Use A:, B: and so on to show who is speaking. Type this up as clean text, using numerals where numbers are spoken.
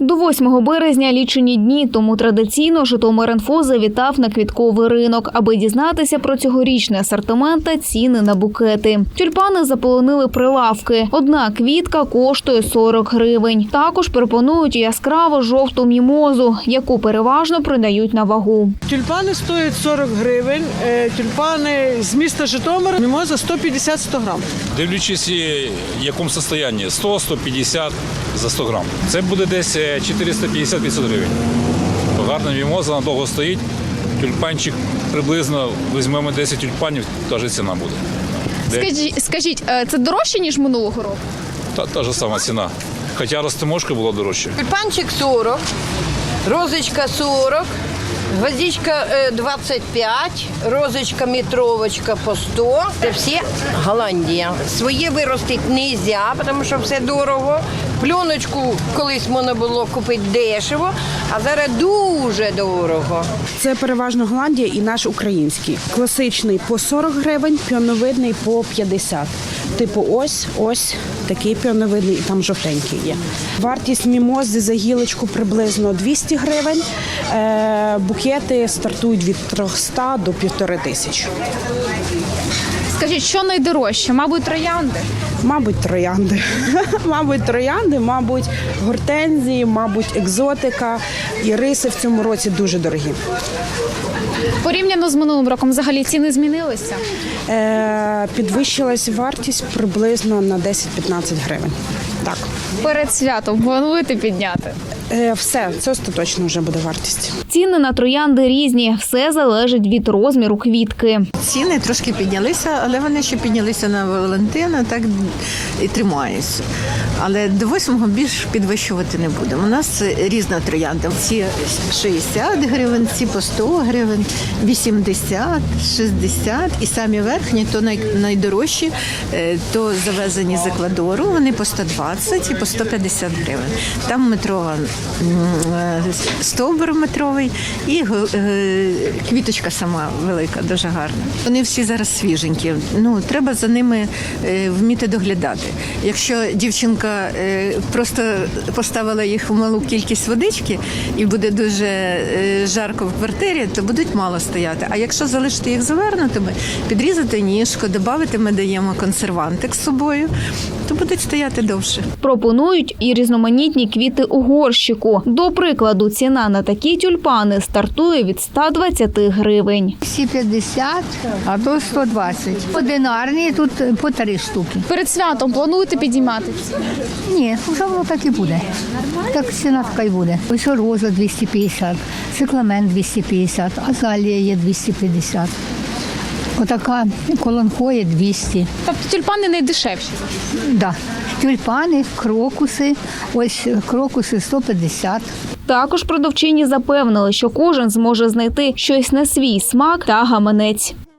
A: До 8 березня лічені дні, тому традиційно Житомир.Інфо завітав на квітковий ринок, аби дізнатися про цьогорічний асортимент та ціни на букети. Тюльпани заполонили прилавки. Одна квітка коштує 40 гривень. Також пропонують яскраво жовту мімозу, яку переважно продають на вагу.
B: Тюльпани стоять 40 гривень, тюльпани з міста Житомира, мімоза 150-100 грам.
C: Дивлячись, в якому стані, 100-150 за 100 грам. Це буде десь 450-500 гривень. Гарна мімоза, надовго стоїть. Тюльпанчик приблизно, візьмемо 10 тюльпанів, теж ціна буде.
A: Скажіть, це дорожче, ніж минулого року?
C: Та ж сама ціна. Хоча розтиможка була дорожча.
D: Тюльпанчик 40, розочка 40, гвоздичка 25, розочка метровочка по 100. Це всі Голландія. Своє виростити не можна, тому що все дорого. Пленочку колись можна було купити дешево, а зараз дуже дорого.
E: Це переважно Голландія і наш український. Класичний по 40 гривень, піоновидний по 50. Типу ось такий піоновидний і там жовтенький є. Вартість мімози за гілочку приблизно 200 гривень. Букети стартують від 300 до 1500.
A: Скажіть, що найдорожче? Мабуть, троянди?
E: Мабуть, троянди. Мабуть, гортензії, мабуть, екзотика. Іриси в цьому році дуже дорогі.
A: Порівняно з минулим роком взагалі ціни змінилися?
E: Підвищилась вартість приблизно на 10-15 гривень. Так.
A: Перед святом плануєте підняти?
E: Все, це остаточно вже буде вартість.
A: Ціни на троянди різні. Все залежить від розміру квітки.
F: Ціни трошки піднялися, але вони ще піднялися на Валентина, так і тримаються. Але до 8-го більш підвищувати не будемо. У нас різна троянда. Ці 60 гривень, ці по 100 гривень, 80, 60. І самі верхні, то найдорожчі, то завезені з Еквадору, вони по 120 і по 150 гривень. Там метрова стовбур метровий і квіточка сама велика, дуже гарна. Вони всі зараз свіженькі. Треба за ними вміти доглядати. Якщо дівчинка просто поставила їх в малу кількість водички і буде дуже жарко в квартирі, то будуть мало стояти. А якщо залишити їх завернутими, підрізати ніжку, додати ми даємо консервантик з собою, то будуть стояти довше.
A: Пропонують і різноманітні квіти у горщику. До прикладу, ціна на такі тюльпани стартує від 120 гривень.
G: Всі 50, а то 120. Одинарні, тут по 3 штуки.
A: Перед святом плануєте підіймати ціни?
G: Ні, вже воно так і буде. Так ціна така й буде. Ось роза 250, цикламен 250, азалія є 250. Отака колонхоя 200.
A: Тобто тюльпани найдешевші?
G: Да. Тюльпани, крокуси, ось крокуси 150.
A: Також продавчині запевнили, що кожен зможе знайти щось на свій смак та гаманець.